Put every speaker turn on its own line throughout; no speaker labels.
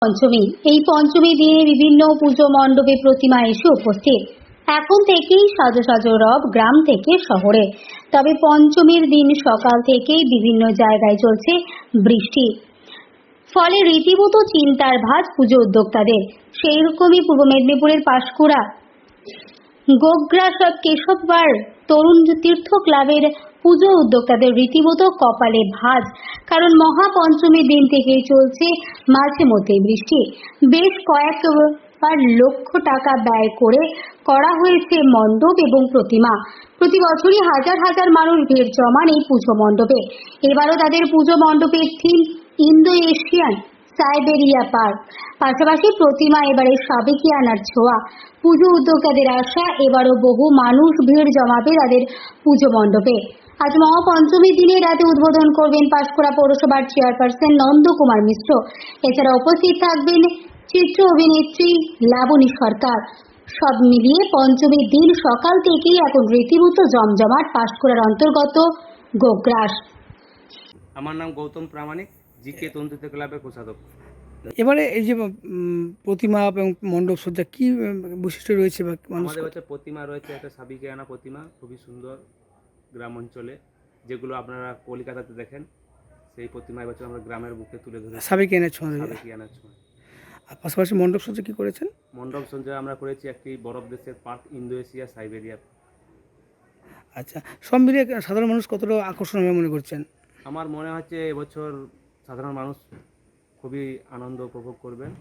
পঞ্চমী। এই পঞ্চমী দিনে বিভিন্ন পুজো মণ্ডপে প্রতিমা এসে উপস্থিত। এখন থেকেই সাজো সাজো রব গ্রাম থেকে শহরে। তবে পঞ্চমীর দিন সকাল থেকেই বিভিন্ন জায়গায় চলছে বৃষ্টি, ফলে রীতিমতো চিন্তার ভাঁজ পুজো উদ্যোক্তাদের। সেই রকমই পূর্ব মেদিনীপুরের পাঁশকুড়া গোগ্রাস কেশববার তরুণ তীর্থ ক্লাবের পুজো উদ্যোক্তাদের রীতিমতো কপালে ভাঁজ। কারণ মহাপঞ্চমীর দিন থেকেই চলছে মাঝে মধ্যে বৃষ্টি। বেশ কয়েকবার লক্ষ টাকা ব্যয় করে করা হয়েছে মণ্ডপ এবং প্রতিমা। প্রতি বছরই হাজার হাজার মানুষ ভিড় জমান এই পুজো মণ্ডপে। এবারও তাদের পুজো মণ্ডপের theme Indo Asian Siberia park. পাশাপাশি প্রতিমা এবারে সাবেকিয়ানার ছোঁয়া। পুজো উদ্যোক্তাদের আশা, এবারও বহু মানুষ ভিড় জমাবে তাদের পুজো মণ্ডপে। আজ মহাপঞ্চমীর দিনে রাতে উদ্বোধন করবেন পাঁশকুড়া পৌরসভার চেয়ারপারসন নন্দকুমার মিশ্র। এছাড়া উপস্থিত থাকবেন চিত্র অভিনেত্রী লাবণী সরকার। সব মিলিয়ে পঞ্চমীর দিন সকাল থেকেই এখন রীতিমতো জমজমাট পাঁশকুড়ার অন্তর্গত গোগ্রাস।
আমার নাম গৌতম প্রামাণিক, জিকে তন্ত্রিত ক্লাবের কোষাধ্যক্ষ।
এবারে এই যে প্রতিমা এবং মণ্ডপ সজ্জা কি বৈশিষ্ট্য রয়েছে বা
আমাদের হচ্ছে প্রতিমা রয়েছে একটা সাবেকিয়ানা প্রতিমা, খুবই সুন্দর গ্রাম অঞ্চলে, যেগুলো আপনারা কলকাতাতে দেখেন। সেই প্রতিমা এবছর আমরা গ্রামের বুকে তুলে ধরেছি,
সাবেকিয়ানার ছোঁয়া।
সাবেকিয়ানার ছোঁয়া।
আর পাশাপাশি মণ্ডপ সজ্জা কি করেছেন?
মণ্ডপ সজ্জা আমরা করেছি একটি বরফ দেশের পার্ক, ইন্দো এশিয়া সাইবেরিয়া।
আচ্ছা, সব মিলিয়ে সাধারণ মানুষ কতটা আকর্ষণ হবে মনে করছেন?
আমার মনে হচ্ছে এবছর সাধারণ মানুষ খুবই আনন্দ উপভোগ করবেন,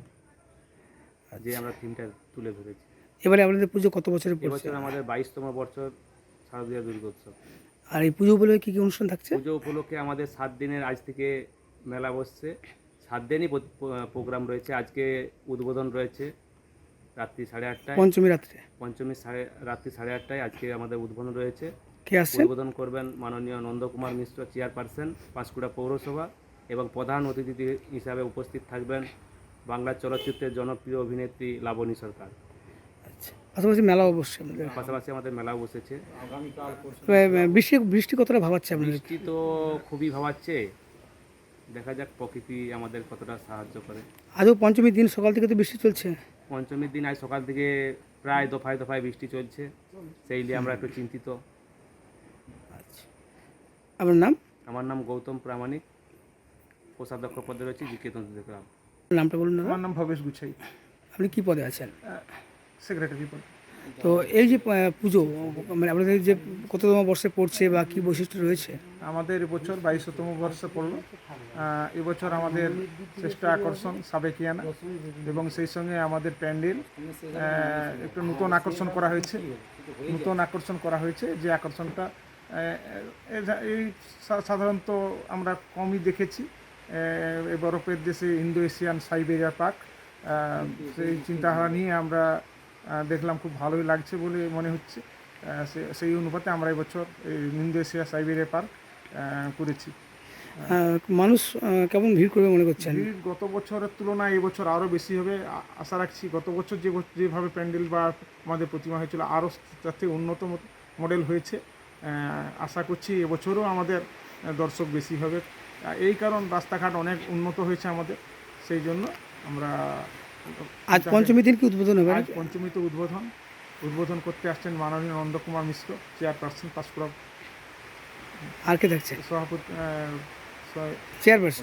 যে আমরা থিমটা তুলে ধরেছি।
এবারে আপনাদের পুজো কত বছরের পড়ছে?
এবছর আমাদের 22তম বছর শারদীয়া দুর্গোৎসব।
আর এই পুজো উপলক্ষে কী কী অনুষ্ঠান থাকছে?
পুজো উপলক্ষে আমাদের 7 দিনের আজ থেকে মেলা বসছে। 7 দিনই প্রোগ্রাম রয়েছে। আজকে উদ্বোধন রয়েছে রাত্রি 8:30টায়,
পঞ্চমী রাত্রে।
পঞ্চমী রাত্রি 8:30টায় আজকে আমাদের উদ্বোধন রয়েছে।
কে আসছেন?
উদ্বোধন করবেন মাননীয় নন্দকুমার মিশ্র, চেয়ারপারসন পাঁশকুড়া পৌরসভা, এবং প্রধান অতিথি হিসাবে উপস্থিত থাকবেন বাংলা চলচ্চিত্রের জনপ্রিয় অভিনেত্রী লাবণী সরকার।
আচ্ছা, পাশাপাশি মেলা অবশ্যই
পাশাপাশি আমাদের মেলাও বসেছে।
বৃষ্টি কতটা ভাবাচ্ছে আপনাদের?
বৃষ্টি তো খুবই ভাবাচ্ছে, দেখা যাক প্রকৃতি আমাদের কতটা সাহায্য করে।
আজও পঞ্চমীর দিন সকাল থেকে তো বৃষ্টি চলছে।
পঞ্চমীর দিন আজ সকাল থেকে প্রায় দফায় দফায় বৃষ্টি চলছে, সেই নিয়ে আমরা একটু চিন্তিত।
আচ্ছা, আপনার নাম?
আমার নাম গৌতম প্রামাণিক, কোষাধ্যক্ষ পদে রয়েছে জিকে তন্ত্রিত ক্লাব।
নামটা বলুন না।
আমার নাম ভবেশ গুছাই,
আপনি কি পদে আছেন?
সেক্রেটারি পদ।
তো এই যে পুজো, মানে আপনাদের যে কততম বর্ষে পড়ছে বা কি বৈশিষ্ট্য রয়েছে?
আমাদের এবছর 22তম বর্ষে পড়ল। এবছর আমাদের শ্রেষ্ঠ আকর্ষণ সাবেকিয়ানা, এবং সেই সঙ্গে আমাদের প্যান্ডেল একটু নতুন আকর্ষণ করা হয়েছে। যে আকর্ষণটা এই সাধারণত আমরা কমই দেখেছি। এই বরফের দেশে ইন্দো এশিয়ান সাইবেরিয়া পার্ক, সেই চিন্তাধারা নিয়ে আমরা দেখলাম, খুব ভালোই লাগছে বলে মনে হচ্ছে। সেই অনুপাতে আমরা এবছর এই ইন্দো এশিয়া সাইবেরিয়া পার্ক করেছি।
মানুষ কেমন ভিড় করবে মনে করছেন?
ভিড় গত বছরের তুলনায় এবছর আরও বেশি হবে আশা রাখছি। গত বছর যেভাবে প্যান্ডেল বা আমাদের প্রতিমা হয়েছিল, আরও তার থেকে উন্নত মডেল হয়েছে। আশা করছি এবছরও আমাদের দর্শক বেশি হবে। এই কারণ রাস্তাঘাট অনেক উন্নত হয়েছে আমাদের, সেই জন্য আমরা।
আজ পঞ্চমী দিন কি উদ্বোধন হবে?
আজ পঞ্চমীতে উদ্বোধন করতে আসছেন মাননীয় নন্দকুমার মিশ্র, চেয়ারপারসন পাঁশকুড়া।
আর কে থাকছে?
সভাপতি,
চেয়ারপারসন।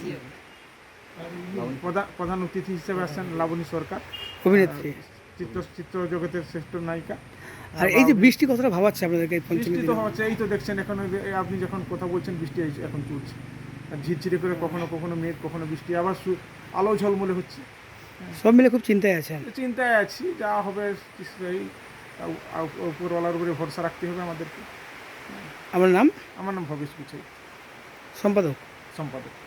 প্রধান অতিথি হিসেবে আসছেন লাবণী সরকার,
অভিনেত্রী,
চিত্র জগতের শ্রেষ্ঠ নায়িকা।
আর এই যে বৃষ্টি কতটা ভাবাচ্ছে আপনাদেরকে পঞ্চমী
বৃষ্টি
দিন?
তো হচ্ছে, এই তো দেখছেন এখন আপনি যখন কথা বলছেন বৃষ্টি এখন চলছে, ঝিরঝিরে করে কখনো কখনো মেঘ, কখনো বৃষ্টি, আবার আলো ঝলমলে হচ্ছে।
সব মিলে খুব চিন্তায় আছেন?
চিন্তায় আছি, যা হবে সেই উপরওয়ালার উপরে ভরসা রাখতে হবে আমাদেরকে।
আমার নাম?
আমার নাম ভবেশ গুছাই,
সম্পাদক।